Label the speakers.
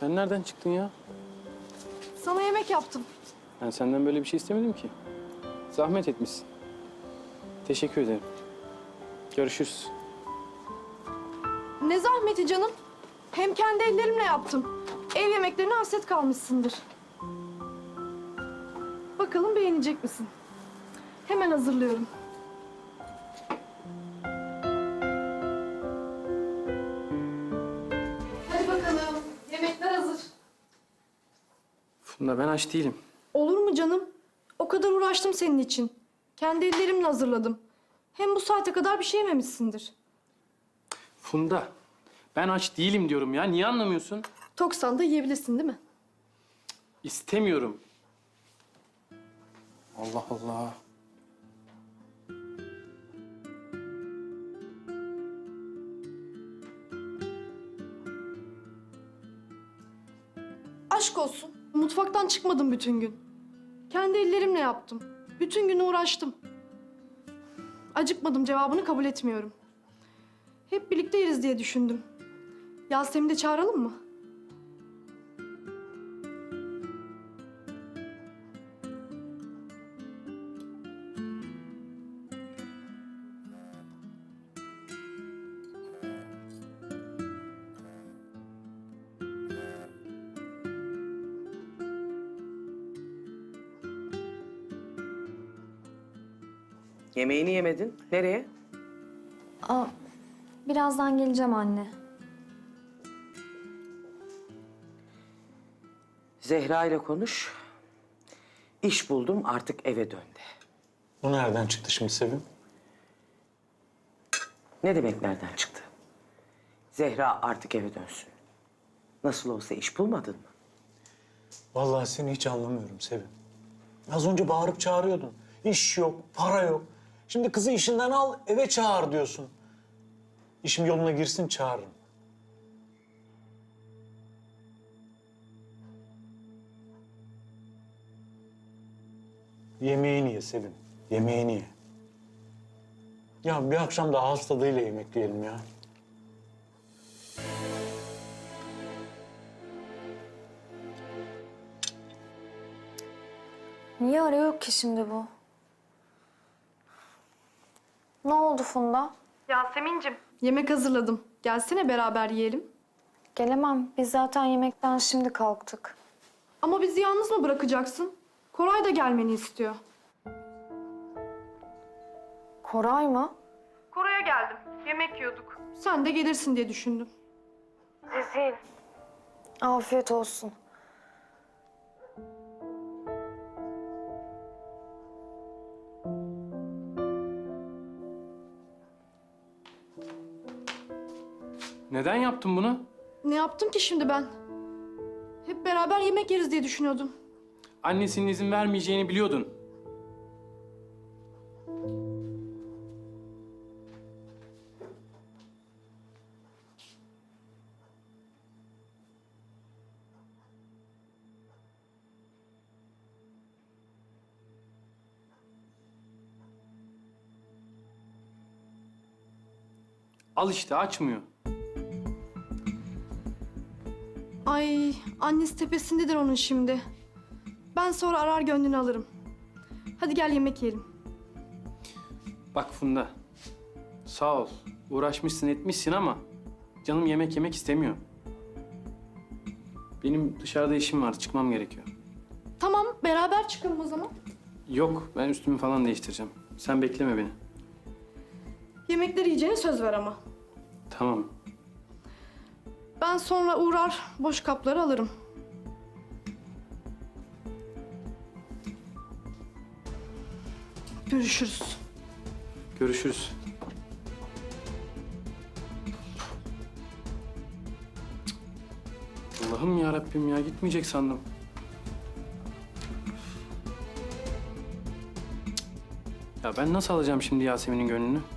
Speaker 1: Sen nereden çıktın ya?
Speaker 2: Sana yemek yaptım.
Speaker 1: Ben senden böyle bir şey istemedim ki. Zahmet etmişsin. Teşekkür ederim. Görüşürüz.
Speaker 2: Ne zahmeti canım. Hem kendi ellerimle yaptım. Ev yemeklerine hasret kalmışsındır. Bakalım beğenecek misin? Hemen hazırlıyorum. Hadi bakalım. Yemekler hazır.
Speaker 1: Funda ben aç değilim.
Speaker 2: Olur mu canım? O kadar uğraştım senin için. Kendi ellerimle hazırladım. Hem bu saate kadar bir şey yememişsindir.
Speaker 1: Funda ben aç değilim diyorum ya. Niye anlamıyorsun?
Speaker 2: Toksan da yiyebilirsin değil mi?
Speaker 1: İstemiyorum. Allah Allah.
Speaker 2: Aşk olsun. Mutfaktan çıkmadım bütün gün. Kendi ellerimle yaptım. Bütün gün uğraştım. Acıkmadım cevabını kabul etmiyorum. Hep birlikte yeriz diye düşündüm. Yasemin'i de çağıralım mı?
Speaker 3: Yemeğini yemedin. Nereye?
Speaker 4: Aa, birazdan geleceğim anne.
Speaker 3: Zehra ile konuş. İş buldum, artık eve dön de.
Speaker 5: Bu nereden çıktı şimdi Sevim?
Speaker 3: Ne demek nereden çıktı? Zehra artık eve dönsün. Nasıl olsa iş bulmadın mı?
Speaker 5: Vallahi seni hiç anlamıyorum Sevim. Az önce bağırıp çağırıyordun. İş yok, para yok. Şimdi kızı işinden al, eve çağır diyorsun. İşim yoluna girsin, çağırırım. Yemeğini ye Sevim, yemeğini ye. Ya bir akşam da ağız tadıyla yemek yiyelim ya.
Speaker 4: Niye arıyor ki şimdi bu? Ne oldu Funda?
Speaker 2: Yasemin'cim. Yemek hazırladım. Gelsene beraber yiyelim.
Speaker 4: Gelemem. Biz zaten yemekten şimdi kalktık.
Speaker 2: Ama bizi yalnız mı bırakacaksın? Koray da gelmeni istiyor.
Speaker 4: Koray mı?
Speaker 2: Koray'a geldim. Yemek yiyorduk. Sen de gelirsin diye düşündüm.
Speaker 4: Afiyet olsun.
Speaker 1: Neden yaptın bunu?
Speaker 2: Ne yaptım ki şimdi ben? Hep beraber yemek yeriz diye düşünüyordum.
Speaker 1: Annesinin izin vermeyeceğini biliyordun. Al işte açmıyor.
Speaker 2: Ay, annesi tepesindedir onun şimdi. Ben sonra arar gönlünü alırım. Hadi gel yemek yiyelim.
Speaker 1: Bak Funda, sağ ol. Uğraşmışsın etmişsin ama canım yemek yemek istemiyor. Benim dışarıda işim var, çıkmam gerekiyor.
Speaker 2: Tamam, beraber çıkalım o zaman.
Speaker 1: Yok, ben üstümü falan değiştireceğim. Sen bekleme beni.
Speaker 2: Yemekleri yiyeceğine söz ver ama.
Speaker 1: Tamam.
Speaker 2: Ben sonra uğrar, boş kapları alırım. Görüşürüz.
Speaker 1: Görüşürüz. Allah'ım ya Rabbim ya gitmeyecek sandım. Ya ben nasıl alacağım şimdi Yasemin'in gönlünü?